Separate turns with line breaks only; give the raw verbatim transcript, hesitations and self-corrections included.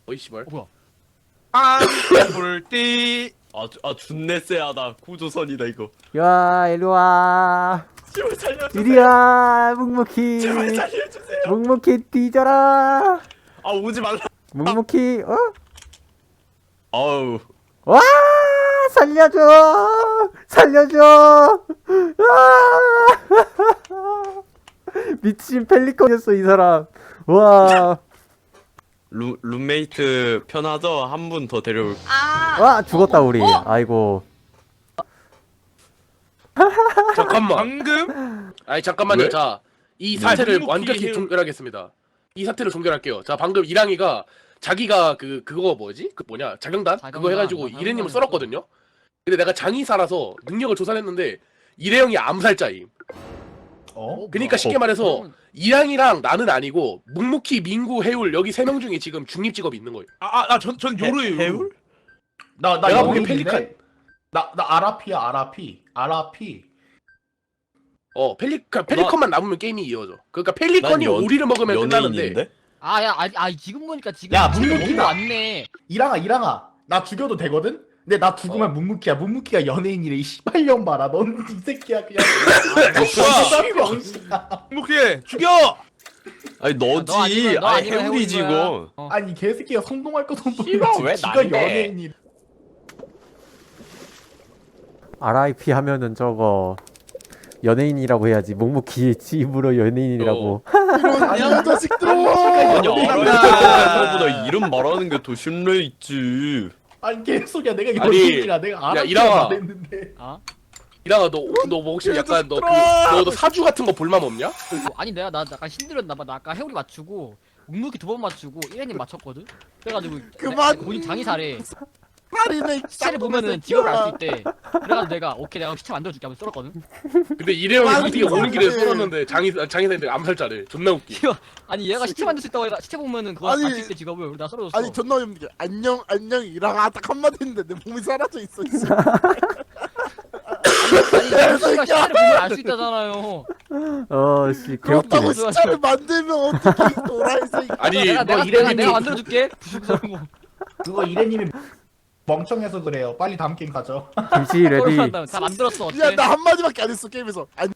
어이 씨발.
어, 뭐야?
안볼띠
아, 주- 아 준내 쎄하다. 구조선이다 이거.
야 일로와
제발 살려주세요.
이리야 묵묵히
제발 살려주세요.
묵묵히 뒤져라
아 오지 말라.
묵묵히 어?
아우.
와 살려줘 살려줘 아! 미친 펠리컨이었어 이 사람 와,
루, 룸메이트 편하죠? 한 분 더 데려올.
아.
와 죽었다 우리
어?
아이고
잠깐만. 방금? 아니 잠깐만요.
왜?
자, 이
네.
사태를
묵묵히
완벽히
해올-
종결하겠습니다. 이 사태를 종결할게요. 자, 방금 이랑이가 자기가 그 그거 뭐지? 그 뭐냐? 자경단? 그거
자경단.
해가지고
아,
이래님을
자경단이었어.
썰었거든요. 근데 내가 장의사라서 능력을 조사했는데 이래영이 암살자임.
어?
그러니까 쉽게 말해서
그러면-
이랑이랑 나는 아니고 묵묵히, 민구, 해울 여기 세 명 중에 지금 중립 직업이 있는 거예요.
아아나전전 요루예요.
해울?
나나
내가 보기엔 펠리칸.
나나 아라피야 아라피 아라피.
어, 펠리컨 펠리컨만 남으면 게임이 이어져. 그러니까 펠리컨이
난 연-
오리를 먹으면 끝나는데.
연예인인데?
아, 야, 아, 아, 지금 보니까 지금
야,
지금
묵묵히다.
너무 왔네.
이랑아 이랑아 나 죽여도 되거든? 근데 나 죽으면 묵묵히야. 묵묵히가 연예인이래. 이 씨발년 봐라. 넌 이 새끼야 그냥. 병신아.
묵묵히 죽여.
아니 너지.
너 아니면- 너
아니
아니면
해울이지
해울인 거야.
이거.
어.
아니 개새끼가 성공할 것도
씨발, 왜
모르겠지. 지가
난데?
연예인이.
알아이피 하면은 저거 연예인이라고 해야지 묵묵히 집으로 연예인이라고
아니 자식들아.
아니
연예인이야.
알아보다 이름 말하는 게 더 신뢰 있지.
아니 개소리야. 내가
아니,
연예인이라 내가
야,
아라피야
이랑아.
말했는데.
아?
이랑아 너너 뭐 혹시 약간 너 그 너도 사주 같은 거 볼맘 없냐?
아니 내가 나 약간 신들었나 봐. 나 아까 해오리 맞추고 묵묵히 두 번 맞추고 일회님 맞췄거든. 그래가지고
그만.
내- 본인 장의사래.
말이네.
시체를 보면은 직업을 알 수 있대. 그래가지고 내가 오케이 내가 시체 만들어줄게 하면 썰었거든.
근데 이래영이
아니,
솔직히 오는 길에
그래.
썰었는데 장의 장의사인데 암살자래. 존나 웃기.
아니 얘가 시체 만들 수 있다고 해가 시체 보면은 그거
아니,
알수 있대 직업을. 우리 나 썰어줬어.
아니 존나 어이없는 게 안녕 안녕 이랑아 딱 한마디 했는데 내 몸이 사라져 있어 씨.
아니 내가 시체를 보면 알 수 있다잖아요.
어씨
그렇다고
개웃기네
시차를 만들면 어떻게 이 도라이 새끼.
아니
내가
뭐
내가 내가,
이래님이
내가 만들어줄게. 부수고
그거 이래님이 멍청해서 그래요. 빨리 다음 게임 가죠.
김치 레디
다 만들었어. 어때?
야나 한마디밖에 안 했어 게임에서 안녕